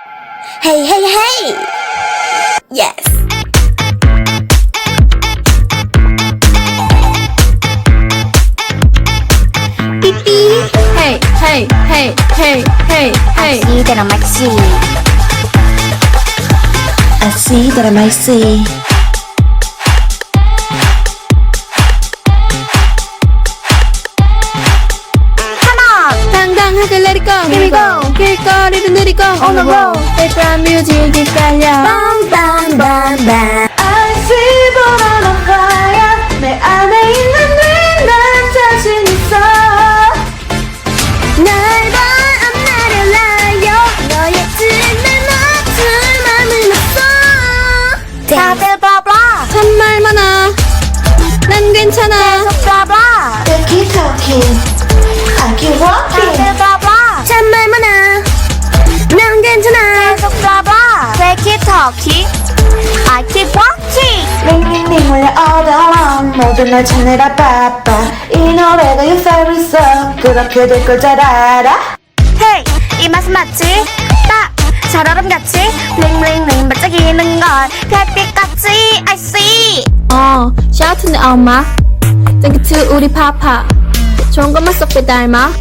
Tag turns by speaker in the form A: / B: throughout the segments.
A: Hey, hey, hey! Yes!
B: 삐삐. Hey, hey, hey, hey, hey, hey.
A: I see that I might see.
C: I see that I might see.
A: Come on!
B: 당당하게 let it go.
A: Here we go.
B: 길거리를 느리고
A: On the road.
B: 일단 뮤직이 깔려.
A: Bam, bam, bam, bam.
C: I see but I'm on fire. 내 안에 있는 네난 자신 있어.
A: 날 봐, I'm not a liar. 너의 틈에 맞출 맘은 없어. 다들 봐봐.
B: 참말 많아. 난 괜찮아.
A: 계속 봐봐.
C: They keep talking. I keep walking.
A: 다들 봐봐. 참말 많아. 난 괜찮아. 계속 봐봐. They keep talking. I keep walking.
C: 링링링 울려 all day long. 모두 날 찾느라 바빠. 이 노래가 your favorite song. 그렇게 될 걸 잘 알아.
A: Hey, 이 맛은 맞지? 딱 살얼음같이 링링링 반짝이는 걸 별빛같이 I see.
B: shout to 내 엄마. Thank you to 우리 파파. 좋은 것만 쏙 빼닮아.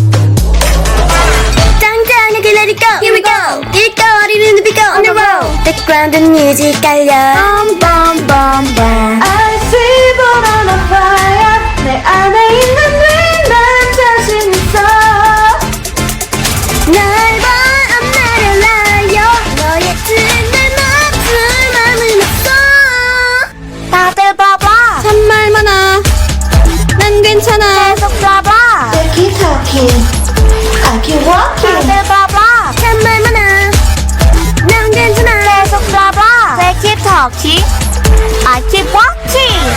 A: 당당하게 let it go. Here we go. 길거리를 누비고 on the road. 백그라운드 뮤직 깔려. Bum bum bum bum.
C: I see but I'm on fire. 내 안에 있는 네난 자신 있어.
A: 날 봐, I'm not a liar. 너의 틈에 맞출 맘은 없어. 다들 봐봐.
B: 참말 많아. 난 괜찮아.
A: 계속 봐봐.
C: They keep talking. I keep walking.
A: 다들 봐봐. 참말 많아. 난 괜찮아. 계속 봐봐. They keep talking. I keep walking.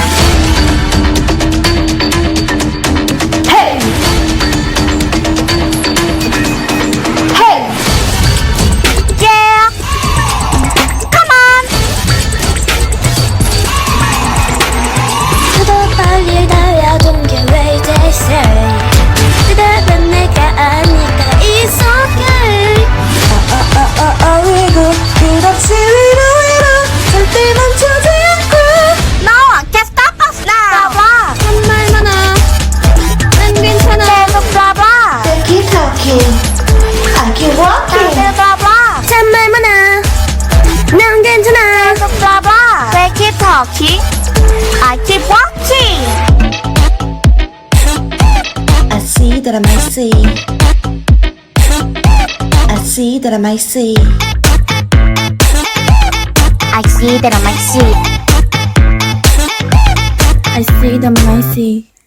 C: Hey. Hey.
A: Yeah. Come on. 그도 빨리 달려든 게 왜 they say. 그대는 내가 아니까 it's okay.
C: 어이구 끝없이 위로 절대 멈추지 않고.
A: No one can stop us now. 봐봐.
B: 참말 많아. 난 괜찮아.
A: 계속 봐봐.
C: They keep talking. I keep walking.
A: 다들 봐봐. 참말 많아. 난 괜찮아. 계속 봐봐. They keep talking. I keep walking.
C: I see that I might see. I see that I might see.
A: I see that I might see.
B: I see them, I see.